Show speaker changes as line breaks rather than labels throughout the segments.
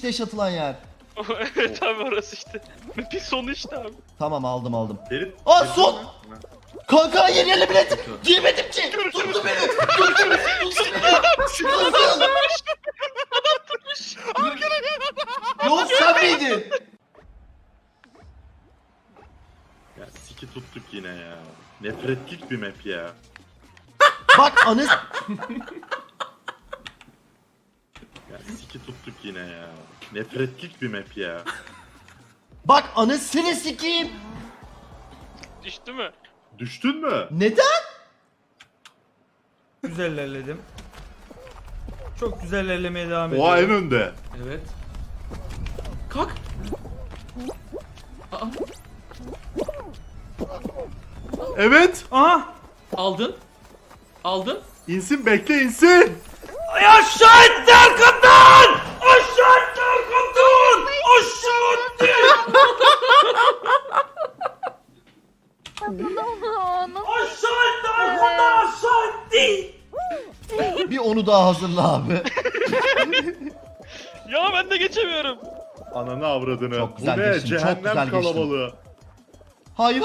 işte yaşatılan yer.
Evet abi orası işte. Bir sonu işte abi.
Tamam aldım.
Ferit.
Aa son! Kanka yeni yerle bilet! Giyemedim ki! Tuttu beni! Tuttu beni! Nasıl? Yok sen miydin?
Ya siki tuttuk yine ya. Nefretlik bir map ya.
Bak anı...
Ya siki tuttuk yine ya. Nefretlik bir map ya.
Bak anasını sikeyim!
Düştü mü?
Düştün mü?
Neden?
Güzel ilerledim. Çok güzel ilerlemeye devam
Oha en
ediyorum.
önde.
Evet. Kalk. Aa,
Evet.
Aha!
aldın. Aldın.
İnsin bekle insin.
Ay aşağı etti arkamdan! Aşağı etti arkamdan! Aşağı etti! Aşağı etti arkamdan aşağı etti!
Bir onu daha hazırla abi.
Ya ben de geçemiyorum.
Ananı avradını.
Çok güzel
Bu ne?
geçtin, çok
Cehennem
güzel geçtin.
kalabalığı.
Hayır.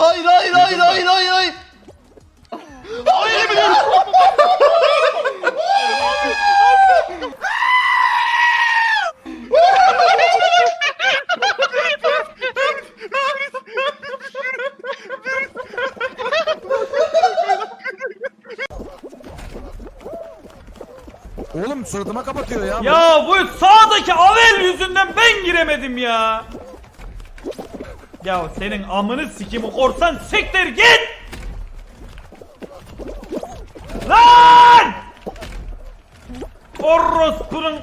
Oğlum suratıma kapatıyor ya.
Ya bu sağdaki Avel yüzünden ben giremedim ya. Ya senin amını sikimi korsan siktir git. Lan! Orospunun...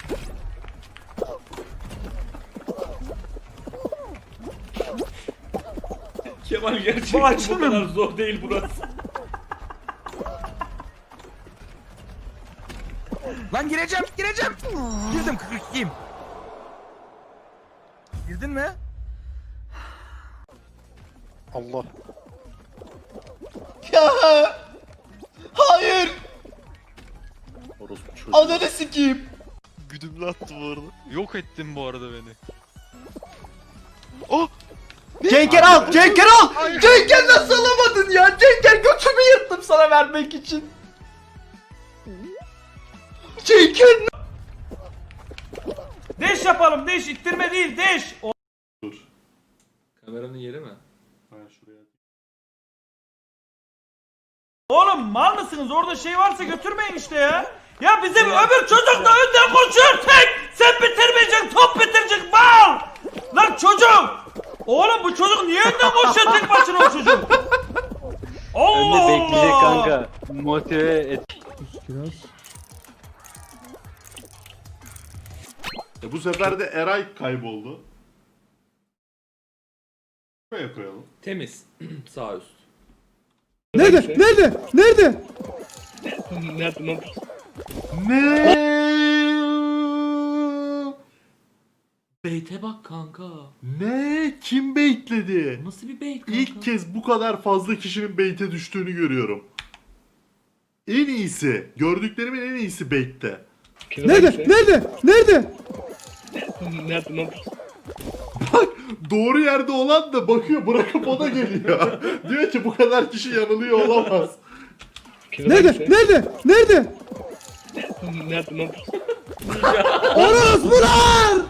Kemal
Bu
gerçekten bu
açılmıyor
kadar
mu?
zor değil burası.
Lan gireceğim. Girdim 42'yim. Girdin mi?
Ya! Hayır!
Orospu çocuğu.
Ananı sikeyim!
Güdümlü attı bu arada. Yok ettin bu arada beni.
Cenker al! Cenker nasıl alamadın ya? Cenker götümü yırttım sana vermek için. Cenker
Deş yapalım deş ittirme değil deş.
Dur.
Kameranın yeri mi?
Ha şuraya.
Oğlum mal mısınız? Orada şey varsa götürmeyin işte ya. Ya bizim öbür çocuk da önden koşuyor tek. Sen bitirmeyeceksin, top bitirecek mal. Lan çocuk. Oğlum bu çocuk niye önden koşuyor tek başına o çocuk? Allah
Önde bekleyecek
Allah.
kanka. Motive et.
Bu sefer de Eray kayboldu. Buraya koyalım.
Temiz. Sağ üst.
Ne?
Beyte bak kanka.
Ne? Kim baitledi?
Nasıl bir beyt kanka?
İlk kez bu kadar fazla kişinin bait'e düştüğünü görüyorum. En iyisi. Gördüklerimin en iyisi bait'te.
Nerede?
Bak doğru yerde olan da bakıyor bırakıp o da geliyor. Diyor ki bu kadar kişi yanılıyor olamaz.
Nerede? Orospular!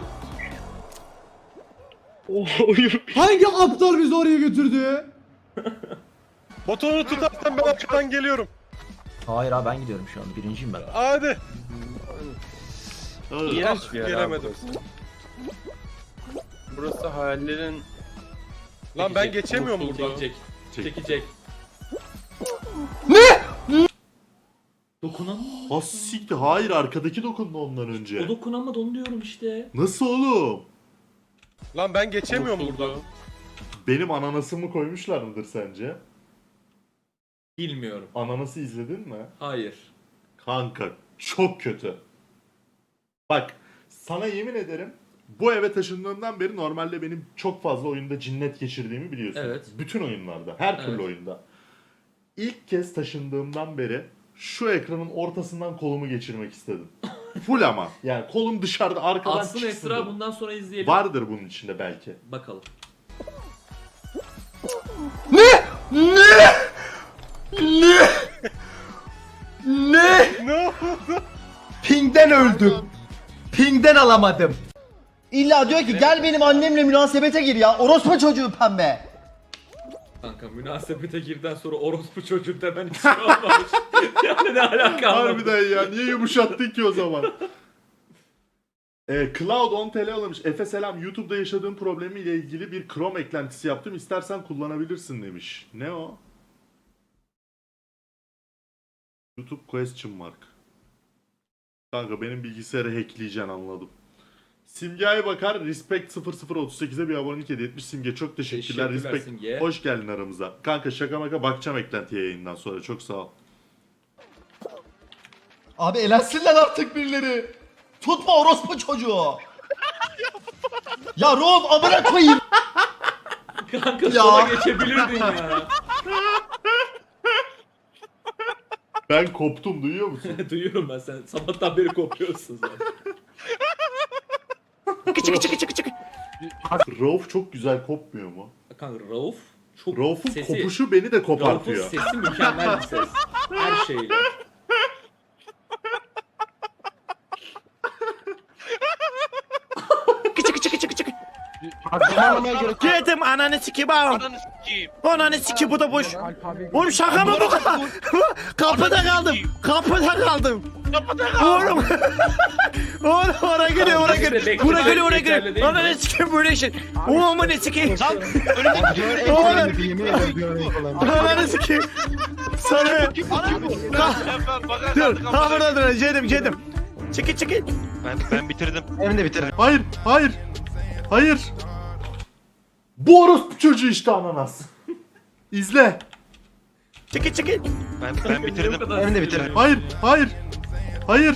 Hangi aptal bizi oraya götürdü?
Botonu tutarsan ben arkadan geliyorum.
Hayır abi ben gidiyorum şu an. Birinciyim ben.
Hadi.
İğrenç bir yer abi
Gelemedim.
burası. Burası hayallerin...
Lan ben geçemiyorum
Mutluluk
burada.
Çekecek. Dokunamadı.
Ha siktir. Hayır arkadaki dokundu ondan önce.
O dokunamadı onu diyorum işte.
Nasıl oğlum?
Lan ben geçemiyorum
Mutluluk.
burada.
Benim ananasımı koymuşlar mıdır sence?
Bilmiyorum.
Ananası izledin mi?
Hayır.
Kanka çok kötü. Bak sana yemin ederim bu eve taşındığımdan beri normalde benim çok fazla oyunda cinnet geçirdiğimi biliyorsun.
Evet.
Bütün oyunlarda, her türlü
Evet.
oyunda. İlk kez taşındığımdan beri şu ekranın ortasından kolumu geçirmek istedim. Full ama. Yani kolum dışarıda arkadan
Aslında
çıksın.
Esra bundan sonra izleyelim.
Vardır bunun içinde belki.
Bakalım.
Ne? Ping'den öldüm. Ping'den alamadım. İlla diyor ki gel benim annemle münasebete gir ya. Orospu çocuğu pembe.
Kanka münasebete girden sonra orospu çocuğu demen hiç şey olmamış. Yani ne alaka anlamadım.
Harbiden ya niye yumuşattın ki o zaman? Cloud 10 TL alamış. Efe selam, YouTube'da yaşadığım problemiyle ilgili bir Chrome eklentisi yaptım. İstersen kullanabilirsin demiş. Ne o? YouTube question mark. Kanka benim bilgisayarı hackleyeceksin anladım. Simge'ye bakar. Respect 0038'e bir abonelik hediye etmiş. Simge çok teşekkürler.
Teşekkürler
Respect.
Simge.
Hoş geldin aramıza. Kanka şaka maka bakacağım eklentiye yayından sonra. Çok sağ ol.
Abi elensinler artık birileri. Tutma orospu çocuğu. Ya Rob amına koyayım.
Kanka
Ya.
sola geçebilirdin ya.
Ben koptum duyuyor musun?
Duyuyorum ben, sen sabahtan beri kopuyorsun zaten.
Rauf çok güzel kopmuyor mu?
Kanka Rauf çok
Rauf'un
sesi,
kopuşu beni de
Rauf'un
kopartıyor.
sesi mükemmel bir ses. Her şeyle.
Geldim ananı sikeyim ağam. Ananı sikeyim bu da boş. Oğlum şaka mı bu kadar? Kapıda kaldım. Kapıda kaldım. Oğlum. Oğlum oraya geliyor oraya geliyor. Buraya geliyor oraya geliyor. Ananı sikeyim böyle şey. Oğlum ne sikeyim. Oğlum. Ananı sikeyim. Sana. Dur. Ha burada dur. Cedim. Çekil.
Ben bitirdim.
Hayır, hayır, hayır. Bu orospu çocuğu işte ananas. İzle.
Çekil.
Ben bitirdim.
Hayır.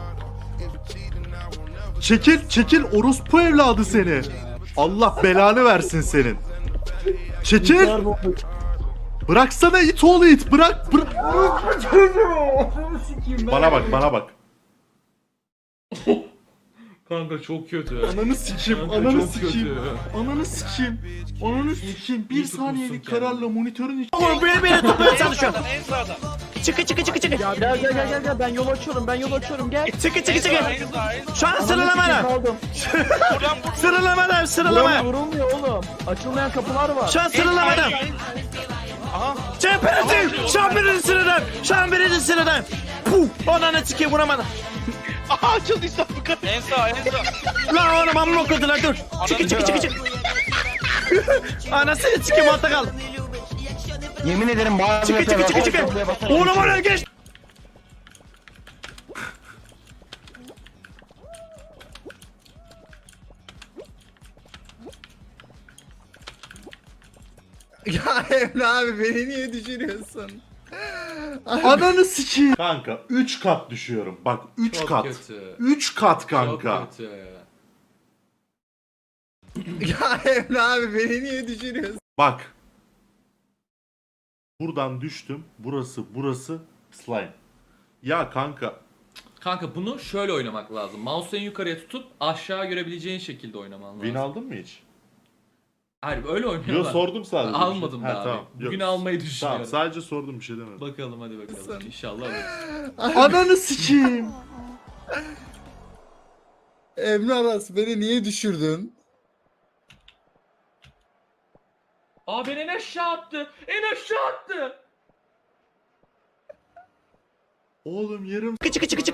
Çekil orospu evladı seni. Allah belanı versin senin. Çekil. Bıraksana it oğlu it. Bırak. Bana bak.
Kanka çok kötü.
Ananı sikeyim,
Kanka
ananı
çok
sikeyim.
kötü.
Ananı sikeyim. Bir
İyi tutmuşsun
saniyelik
kendini.
kararla monitörün içi.
Oğlum beni tutmaya çalışıyor.
En sağda.
Çıkı.
Gel ben yol açıyorum gel.
Çıkı.
En sağ.
Şu an sıralamada.
Buradan
Sıralamaya.
Vurulmuyor oğlum. Açılmayan kapılar var.
Şu an sıralamada.
Aha.
Çemperati. Şu an birinci sıradan. Puh. Ananı sikeyim vuramadım.
Aha açıldıysa bu kadar. En sağ.
Lan oğlum amma okudular dur. Çık. Anasını sikeyim altta kal.
Yemin ederim bazı
Çık. Oğlum oraya geç.
Ya Emre abi beni niye düşürüyorsun?
Ananı sikeyim. Kanka 3 kat düşüyorum. Bak 3
Çok
kat.
kötü.
3 kat kanka.
Çok kötü.
Ya Emre abi beni niye düşürüyorsun?
Bak. Buradan düştüm. Burası slime. Ya kanka.
Kanka bunu şöyle oynamak lazım. Mouse'u en yukarıya tutup aşağı görebileceğin şekilde oynaman lazım.
Win aldın mı hiç?
Hayır öyle oynuyorlar.
Yo sordum sadece.
Almadım
Ha,
daha
tamam.
abi.
Yok.
Bugün almayı
Tamam
düşünüyorum.
sadece sordum bir şey demedim.
Bakalım hadi bakalım. İnşallah alırız.
Ananı sikeyim.
Emre Aras beni niye düşürdün?
Aa beni en aşağı attı. En aşağı attı.
Oğlum yarım.
Çık.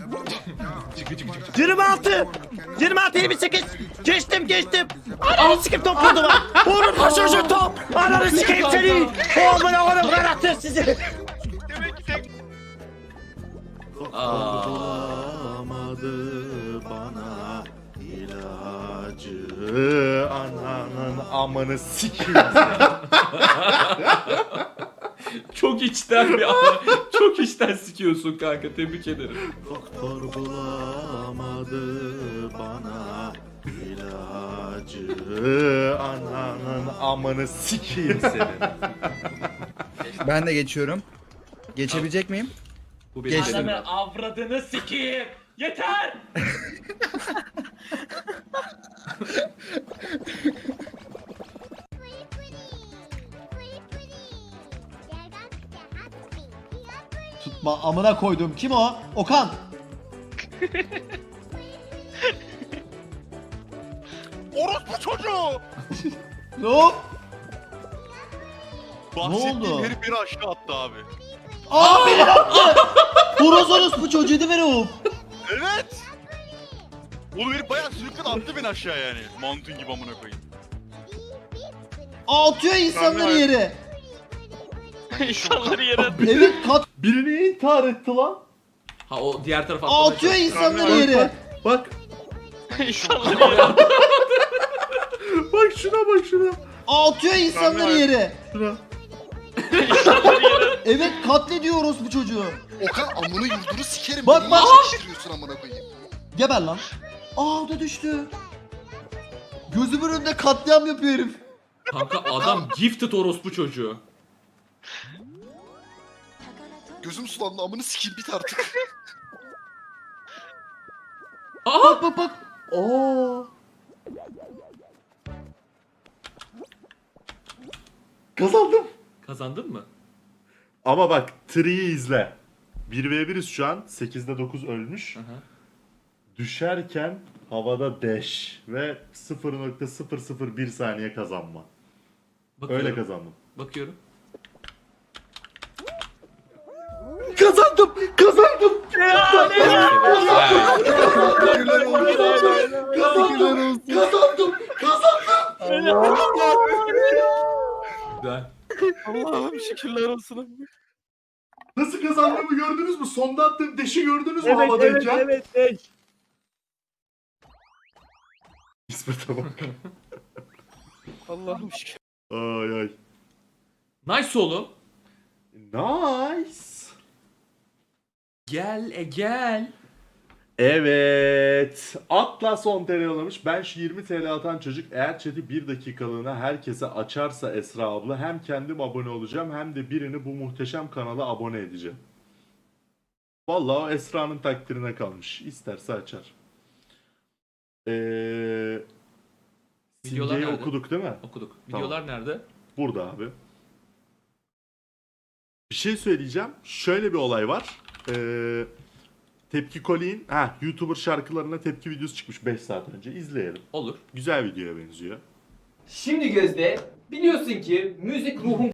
26. 28. Geçtim. Ananı sikeyim top vurdu var. Oğlum koşuşun top. Ananı sikeyim seni. Oğlum karattı sizi.
Bulamadı bana ilacı. Ananın amanı sikeyim.
Çok içten bir çok içten sikiyorsun kanka. Tebrik ederim.
Doktor bulamadı bana ilacı. Ananın amanı sikeyim senin.
Ben de geçiyorum. Geçebilecek miyim?
Bu benim
Geçtim.
Ananı avradını sikeyim. Yeter!
Tutma amına koydum. Kim o? Okan.
Orospu çocuğu!
Hop.
Bahsettiğim
oldu?
herif beni aşağı attı abi.
Aa beni attı. Horoz bu çocuğuydu beni hop.
Evet! Oğlum herif bayağı sürüklen attı beni aşağı yani. Mantun gibi amına koyayım.
Atıyor insanları yere.
İnsanları yere
Evet kat
Birini intihar etti lan.
Ha o diğer tarafa atlamaya
atıyor
çalışıyor.
insanları yere.
Bak.
insanları yere
Bak şuna.
Atıyor insanları yere.
Şuna.
insanları yere
Evet katlediyoruz bu çocuğu.
Okan amını yurdunu sikerim.
Bak,
Beni
bak.
niye çekiştiriyorsun amına koyayım?
Geber lan. Aa o da düştü. Gözümün önünde katliam yapıyor herif.
Kanka adam gifted orospu çocuğu.
Gözüm sulandı amını sikeyim bit artık.
Aa!
Bak.
Aa. Kazandım.
Kazandın mı?
Ama bak Tree'yi izle. 1v1'iz şu an. 8'de 9 ölmüş.
Aha.
Düşerken havada dash ve 0.001 saniye kazanma.
Bakıyorum.
Öyle kazandım.
Bakıyorum.
Kazandım.
Güzel.
Allah'ım şükürler olsun.
Nasıl kazandığımı gördünüz mü? Sonda attığım dash'i gördünüz mü havadayken?
evet.
İsmet'e bak.
Allah'ım şükür.
Ay.
Nice oğlum.
Nice.
Gel.
Evet. Atlas 10 TL yollamış. Ben şu 20 TL atan çocuk eğer chat'i 1 dakikalığına herkese açarsa Esra abla hem kendim abone olacağım hem de birini bu muhteşem kanala abone edeceğim. Vallahi o Esra'nın takdirine kalmış. İsterse açar.
Videolar
Simge'yi
nerede?
okuduk değil mi?
Okuduk.
Tamam.
Videolar nerede?
Burada abi. Bir şey söyleyeceğim. Şöyle bir olay var. Tepki Koli'nin YouTuber şarkılarına tepki videosu çıkmış 5 saat önce. İzleyelim.
Olur.
Güzel videoya benziyor.
Şimdi Gözde biliyorsun ki müzik ruhun